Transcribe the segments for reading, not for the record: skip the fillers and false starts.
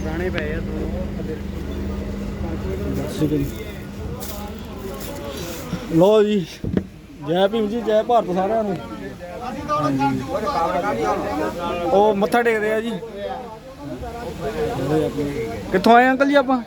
ਪੁਰਾਣੇ ਪਏ ਆ ਦੋ ਲੋ ਜੀ ਜੈ ਭੀਮ ਜੀ ਜੈ ਭਾਰਤ ਸਾਰਿਆਂ ਨੂੰ। ਉਹ ਮੱਥਾ ਟੇਕਦੇ ਆ ਜੀ। ਕਿੱਥੋਂ ਆਏ ਅੰਕਲ ਜੀ ਆਪਾਂ?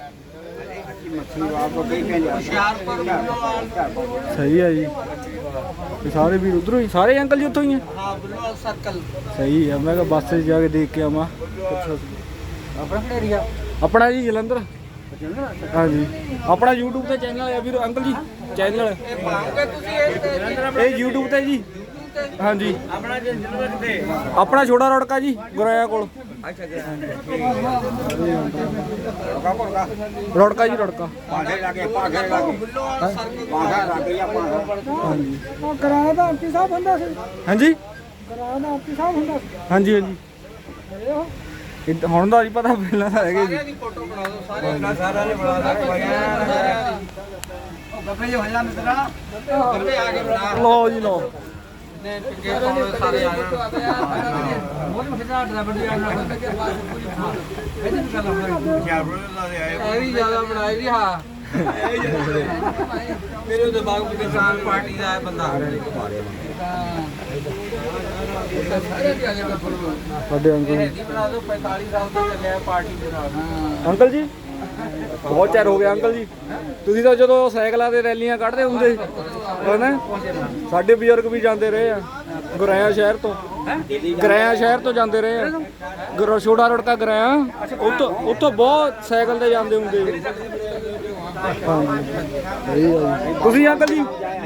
ਸਹੀ ਹੈ ਜੀ। ਸਾਰੇ ਵੀਰ ਉਧਰੋਂ ਹੀ ਸਾਰੇ ਅੰਕਲ ਜੀ ਉੱਥੋਂ ਹੀ ਆ? ਹਾਂ ਬੁੱਲੋਵਾਲ ਸਰਕਲ। ਸਹੀ ਹੈ। ਮੈਂ ਕਿਹਾ ਬੱਸ 'ਚ ਜਾ ਕੇ ਦੇਖ ਕੇ ਆਵਾਂ। ਆਪਣਾ ਕਿਹੜਾ ਏਰੀਆ? ਆਪਣਾ ਜੀ ਜਲੰਧਰ। ਹਾਂਜੀ ਆਪਣਾ YouTube ਤੇ ਚੈਨਲ ਹੈ ਵੀਰ ਅੰਕਲ ਜੀ। ਚੈਨਲ ਇਹ YouTube ਤੇ ਜੀ। ਹਾਂਜੀ ਆਪਣਾ ਛੋਟਾ ਰੋੜਕਾ ਜੀ ਗੁਰਾਇਆ ਕੋਲ। ਰੋੜਕਾ ਜੀ ਰੋੜਕਾ। ਕਰਾਇਆ ਤਾਂ ਐਮਪੀ ਸਾਹਿਬ ਹੁੰਦਾ ਸੀ। ਹਾਂਜੀ ਕਰਾਇਆ ਤਾਂ ਐਮਪੀ ਸਾਹਿਬ ਹੁੰਦਾ ਸੀ। ਹਾਂਜੀ ਹਾਂਜੀ ਹੁਣ ਦਾ ਨਹੀਂ ਪਤਾ ਪਹਿਲਾਂ ਤਾਂ ਹੈਗੇ ਜੀ। ਫੋਟੋ ਬਣਾ ਦਿਓ ਸਾਰੇ ਸਾਰਿਆਂ ਨੇ ਬਣਾ ਉਹ ਗੱਬੇ ਜੋ ਹੱਲਾ ਮਿੱਤਰਾ ਗੱਬੇ ਆ ਕੇ ਬਣਾ ਲਓ ਜੀ ਲਓ। ਨੇ ਪਿੱਗੇ ਸਾਰੇ ਆ ਗਏ ਮੋਲ ਮਖਦਾ ਡਰਾਈਵਰ ਦੀ ਆਣਾ ਇਹਦੇ ਵੀ ਗੱਲ ਇਹ ਵੀ ਜ਼ਿਆਦਾ ਬਣਾਈ ਵੀ ਹਾਂ ਮੇਰੇ ਦਿਮਾਗ ਵਿੱਚ ਕਿਸਾਨ ਪਾਰਟੀ ਦਾ ਹੈ ਬੰਦਾ ਸਾਡੇ ਅੰਕਲ ਇਹ ਬਣਾ ਦਿਓ 45 ਸਾਲ ਤੋਂ ਚੱਲਿਆ ਪਾਰਟੀ ਦੇ ਨਾਲ। ਅੰਕਲ ਜੀ ਬਹੁਤ ਚਿਰ ਹੋ ਗਿਆ ਅੰਕਲ ਜੀ। ਤੁਸੀਂ ਤਾਂ ਜਦੋਂ ਸਾਈਕਲਾਂ ਤੇ ਰੈਲੀਆਂ ਕੱਢਦੇ ਹੁੰਦੇ ਹਨਾ ਸਾਡੇ ਬਜ਼ੁਰਗ ਵੀ ਜਾਂਦੇ ਰਹੇ ਆ ਗੁਰਾਇਆ ਸ਼ਹਿਰ ਤੋਂ। ਗੁਰਾਇਆ ਸ਼ਹਿਰ ਤੋਂ ਜਾਂਦੇ ਰਹੇ ਆ ਛੋਟਾ ਰੋੜਕਾ ਗੁਰਾਇਆ ਉੱਥੋਂ ਬਹੁਤ ਸਾਈਕਲ ਤੇ ਜਾਂਦੇ ਹੁੰਦੇ। ਤੁਸੀਂ ਅੰਕਲ ਜੀ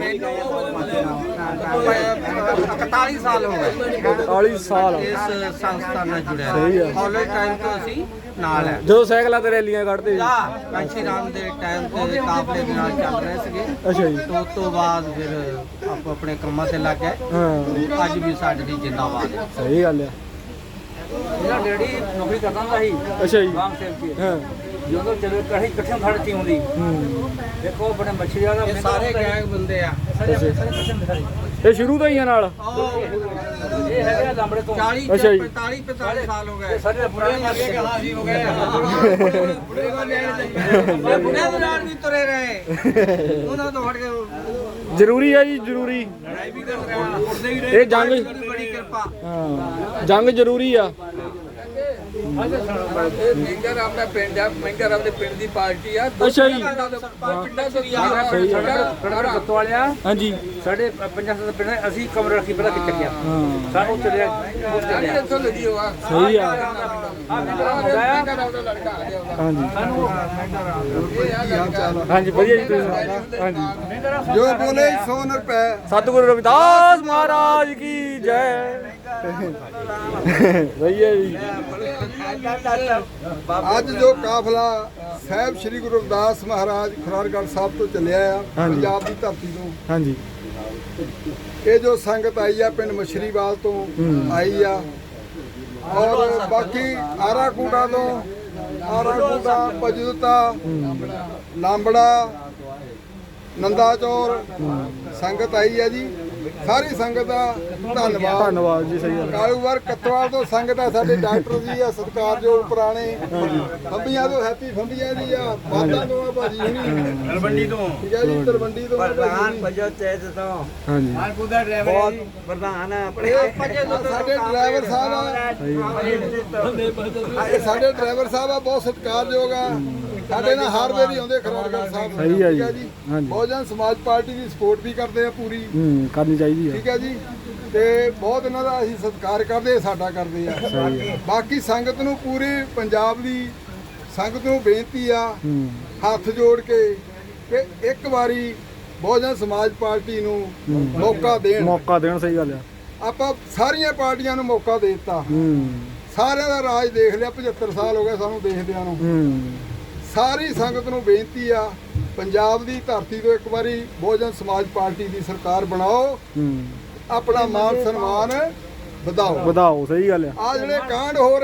41 ਸਾਲ ਹੋ ਗਏ 41 ਸਾਲ ਇਸ ਸੰਸਥਾ ਨਾਲ ਜੁੜਿਆ। ਸਹੀ ਆ। ਕਾਲਜ ਟਾਈਮ ਤੋਂ ਅਸੀਂ ਨਾਲ ਹੈ। ਜਦੋਂ ਸਾਈਕਲਾਂ ਤੇ ਰੈਲੀਆਂ ਕੱਢਦੇ ਕਾਂਸ਼ੀ ਰਾਮ ਦੇ ਟਾਈਮ ਤੇ ਕਾਫਲੇ ਦੇ ਨਾਲ ਚੱਲ ਰਹੇ ਸੀਗੇ। ਅੱਛਾ ਜੀ। ਉਸ ਤੋਂ ਬਾਅਦ ਫਿਰ ਆਪੋ ਆਪਣੇ ਕੰਮਾਂ ਤੇ ਲੱਗ ਗਏ। ਹਾਂ ਅੱਜ ਵੀ ਸਾਡੇ ਦੀ ਜਿੰਦਾਬਾਦ ਹੈ। ਸਹੀ ਗੱਲ ਆ। ਮੇਰਾ ਡੈਡੀ ਨੌਕਰੀ ਕਰਦਾ ਹੁੰਦਾ ਸੀ ਅੱਛਾ ਜੀ। ਰਾਮ ਸੇਵ ਕੀ ਹਾਂ ਜਦੋਂ ਚਲੇ ਕਹੀ ਇਕੱਠੇ ਖੜਤੀ ਹੁੰਦੀ ਦੇਖੋ ਆਪਣੇ ਮੱਛੀ ਵਾਲਾ ਸਾਰੇ ਗੈਂਗ ਬੰਦੇ ਆ। ਇਹ ਸ਼ੁਰੂ ਤੋਂ ਹੀ ਆ ਨਾਲ। ਇਹ ਹੈਗਾ ਲੰਬੜੇ ਤੋਂ 40 45 ਸਾਲ ਹੋ ਗਏ। ਸਾਡੇ ਬੁੜੇ ਲੱਗੇ ਕਿ ਹਾਂ ਜੀ ਹੋ ਗਏ ਬੁੜੇ ਕੋ ਲੈ ਬੁੜੇ ਦੇ ਨਾਲ ਵੀ ਤੁਰੇ ਰਹੇ ਉਹਨਾਂ ਤੋਂ ਹਟ ਕੇ ਜ਼ਰੂਰੀ ਹੈ ਜੀ ਜ਼ਰੂਰੀ। ਲੜਾਈ ਵੀ ਕਰ ਰਹੇ ਇਹ ਜੰਗ ਬੜੀ ਕਿਰਪਾ। ਹਾਂ ਜੰਗ ਜ਼ਰੂਰੀ ਆ। ਮਹਿੰਗਾ ਰਾਮ ਦਾ ਪਿੰਡ ਆ। ਮਹਿੰਗਾ ਰਾਮ ਦੇ ਪਿੰਡ ਦੀ ਪਾਰਟੀ ਆ। ਅੱਛਾ ਜੀ। ਪਿੰਡਾਂ ਤੋਂ ਸਾਡਾ ਗੱਤੋ ਵਾਲਿਆ। ਹਾਂਜੀ ਸਾਡੇ 50 ਦਾ ਪਿੰਡ ਅਸੀਂ ਕਮਰਾ ਰੱਖੀ ਪਹਿਲਾਂ ਕਿ ਚੱਕਿਆ ਸਾਨੂੰ ਚੱਲਿਆ ਇੱਥੋਂ ਲੱਗੀ ਹੋਆ। ਸਹੀ ਆ। ਹਾਂਜੀ ਹਾਂਜੀ ਵਧੀਆ ਜੀ ਤੁਸੀਂ। ਹਾਂਜੀ ਜੋ ਬੋਲੇ 100 ਰੁਪਏ। ਸਤਿਗੁਰੂ ਰਵਿਦਾਸ ਮਹਾਰਾਜ ਕੀ ਜੈ। ਸਹੀ ਹੈ ਜੀ। ਅੱਜ ਜੋ ਕਾਫਲਾ ਸਾਹਿਬ ਸ੍ਰੀ ਗੁਰੂ ਰਵਿਦਾਸ ਮਹਾਰਾਜ ਖੁਰਾਰਗੜ੍ਹ ਸਾਹਿਬ ਤੋਂ ਚੱਲਿਆ ਆ ਪੰਜਾਬ ਦੀ ਧਰਤੀ ਤੋਂ। ਹਾਂਜੀ ਇਹ ਜੋ ਸੰਗਤ ਆਈ ਆ ਪਿੰਡ ਮਛਰੀਵਾਲ ਤੋਂ ਆਈ ਆ ਔਰ ਬਾਕੀ ਆਰਾਕੂਟਾ ਤੋਂ ਆਰਾਕੂਟਾ ਪਜੂਤਾ ਲਾਂਬੜਾ ਨੰਦਾ ਚੌਰ ਸੰਗਤ ਆਈ ਆ ਜੀ। ਸਾਰੀ ਸੰਗਤ ਦਾ ਧੰਨਵਾਦ। ਧੰਨਵਾਦ ਜੀ। ਸਹੀ ਗੱਲ। ਕਾਲੂਵਾਰ ਕਤਵਾਲ ਤੋਂ ਸੰਗਤ ਆ। ਸਾਡੇ ਡਾਕਟਰ ਜੀ ਆ ਸਤਿਕਾਰਯੋਗ ਪੁਰਾਣੇ ਫੰਬੀਆਂ ਤੋਂ ਹੈਪੀ ਫੰਬੀਆਂ ਜੀ ਆ। ਬਾਦਾਂ ਤੋਂ ਆ ਭਾਜੀ ਹੁਣੀ ਤਲਵੰਡੀ ਤੋਂ। ਠੀਕ ਹੈ ਜੀ ਤਲਵੰਡੀ ਤੋਂ ਪ੍ਰਧਾਨ ਪਜੋ ਤੇਜ ਤੋਂ ਹਾਂਜੀ ਮਾਲਪੁਰ ਦਾ ਡਰਾਈਵਰ ਪ੍ਰਧਾਨ ਆਪਣੇ ਸਾਡੇ ਡਰਾਈਵਰ ਸਾਹਿਬ ਆ। ਸਾਡੇ ਡਰਾਈਵਰ ਸਾਹਿਬ ਆ ਬਹੁਤ ਸਤਿਕਾਰਯੋਗ ਆ। ਸਾਡੇ ਨਾਲ ਹਰ ਵਾਰੀ ਆਉਂਦੇ ਖੁਰਾਰਗੜ੍ਹ ਸਾਹਿਬ। ਸਹੀ ਆ ਜੀ। ਜੀ ਹਾਂਜੀ ਬਹੁਜਨ ਸਮਾਜ ਪਾਰਟੀ ਦੀ ਸਪੋਰਟ ਵੀ ਕਰਦੇ ਆ ਪੂਰੀ। ਕਰਨੀ ਚਾਹੀਦੀ ਆ। ਠੀਕ ਹੈ ਜੀ ਤੇ ਬਹੁਤ ਇਹਨਾਂ ਦਾ ਅਸੀਂ ਸਤਿਕਾਰ ਕਰਦੇ ਸਾਡਾ ਕਰਦੇ ਆ। ਬਾਕੀ ਸੰਗਤ ਨੂੰ ਪੂਰੀ ਪੰਜਾਬ ਦੀ ਸੰਗਤ ਨੂੰ ਬੇਨਤੀ ਆ ਹੱਥ ਜੋੜ ਕੇ ਕਿ ਇੱਕ ਵਾਰੀ ਬਹੁਜਨ ਸਮਾਜ ਪਾਰਟੀ ਨੂੰ ਮੌਕਾ ਦੇਣ। ਸਹੀ ਗੱਲ ਆ। ਆਪਾਂ ਸਾਰੀਆਂ ਪਾਰਟੀਆਂ ਨੂੰ ਮੌਕਾ ਦੇ ਦਿੱਤਾ। ਸਾਰਿਆਂ ਦਾ ਰਾਜ ਦੇਖ ਲਿਆ। 75 ਸਾਲ ਹੋ ਗਏ ਸਾਨੂੰ ਦੇਖਦਿਆਂ ਨੂੰ। ਸਾਰੀ ਸੰਗਤ ਨੂੰ ਬੇਨਤੀ ਆ ਪੰਜਾਬ ਦੀ ਧਰਤੀ ਤੋਂ ਇੱਕ ਵਾਰੀ ਬਹੁਜਨ ਸਮਾਜ ਪਾਰਟੀ ਦੀ ਸਰਕਾਰ ਬਣਾਓ। ਆਪਣਾ ਮਾਨ ਸਨਮਾਨ ਵਧਾਓ। ਸਹੀ ਗੱਲ ਆ। ਆ ਜਿਹੜੇ ਕਾਂਡ ਹੋ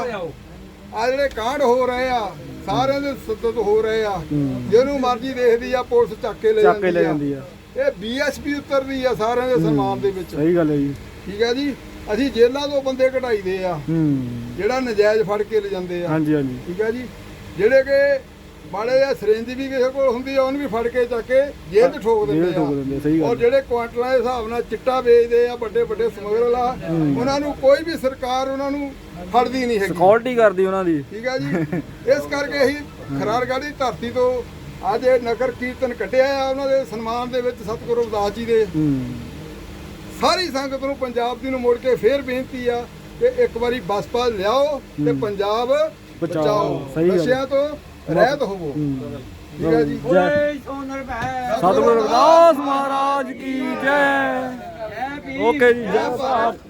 ਰਹੇ ਆ ਸਾਰਿਆਂ ਦੇ ਸੱਦਤ ਹੋ ਰਹੇ ਆ। ਜਿਹਨੂੰ ਮਰਜ਼ੀ ਦੇਖਦੀ ਆ ਪੁਲਿਸ ਚੱਕ ਕੇ ਲੈ ਜਾਂਦੀ ਆ। ਇਹ BSP ਉਤਰਦੀ ਆ ਸਾਰਿਆਂ ਦੇ ਸਨਮਾਨ ਦੇ ਵਿੱਚ। ਸਹੀ ਗੱਲ ਹੈ ਜੀ। ਠੀਕ ਹੈ ਜੀ। ਅਸੀਂ ਜੇਲ੍ਹਾਂ ਤੋਂ ਬੰਦੇ ਕਢਾਈਦੇ ਆ ਜਿਹੜਾ ਨਜਾਇਜ਼ ਫੜ ਕੇ ਲੈ ਜਾਂਦੇ ਆ। ਹਾਂਜੀ ਹਾਂਜੀ ਠੀਕ ਹੈ ਜੀ। ਜਿਹੜੇ ਕਿ ਮਾੜੇ ਆ ਸਿਰਿੰਜ ਵੀ ਕਿਸੇ ਕੋਲ ਹੁੰਦੀ ਆ ਉਹਨੂੰ ਵੀ ਫੜ ਕੇ ਚੱਕ ਕੇ ਜੇਲ੍ਹ 'ਚ ਠੋਕ ਦਿੰਦੇ ਆ। ਸਹੀ ਗੱਲ। ਔਰ ਜਿਹੜੇ ਕੁਆਂਟਲਾਂ ਦੇ ਹਿਸਾਬ ਨਾਲ ਚਿੱਟਾ ਵੇਚਦੇ ਆ ਵੱਡੇ ਵੱਡੇ ਸਮਗਲਰ ਆ, ਉਹਨਾਂ ਨੂੰ ਕੋਈ ਵੀ ਸਰਕਾਰ ਉਹਨਾਂ ਨੂੰ ਫੜਦੀ ਨਹੀਂ ਹੈਗੀ, ਸਿਕਿਉਰਿਟੀ ਕਰਦੀ ਉਹਨਾਂ ਦੀ। ਠੀਕ ਹੈ ਜੀ। ਇਸ ਕਰਕੇ ਅਸੀਂ ਖਰਾਰਗੜ੍ਹ ਦੀ ਧਰਤੀ ਤੋਂ ਅੱਜ ਇਹ ਨਗਰ ਕੀਰਤਨ ਕੱਢਿਆ ਆ ਉਹਨਾਂ ਦੇ ਸਨਮਾਨ ਦੇ ਵਿੱਚ ਸਤਿਗੁਰੂ ਰਵਿਦਾਸ ਜੀ ਦੇ। ਸਾਰੀ ਸੰਗਤ ਨੂੰ ਪੰਜਾਬ ਦੀ ਨੂੰ ਮੁੜ ਕੇ ਫੇਰ ਬੇਨਤੀ ਆ ਕਿ ਇੱਕ ਵਾਰੀ ਬਸਪਾ ਲਿਆਓ ਤੇ ਪੰਜਾਬ ਬਚਾਓ, ਨਸ਼ਿਆਂ ਤੋਂ ਰਹਿਤ ਹੋਵੋ। ਠੀਕ ਹੈ ਜੀ। ਸਤਿਗੁਰੂ ਰਵਿਦਾਸ ਮਹਾਰਾਜ ਕੀ ਜੈ। ਓਕੇ ਜੀ, ਜੈ ਭਾਰਤ।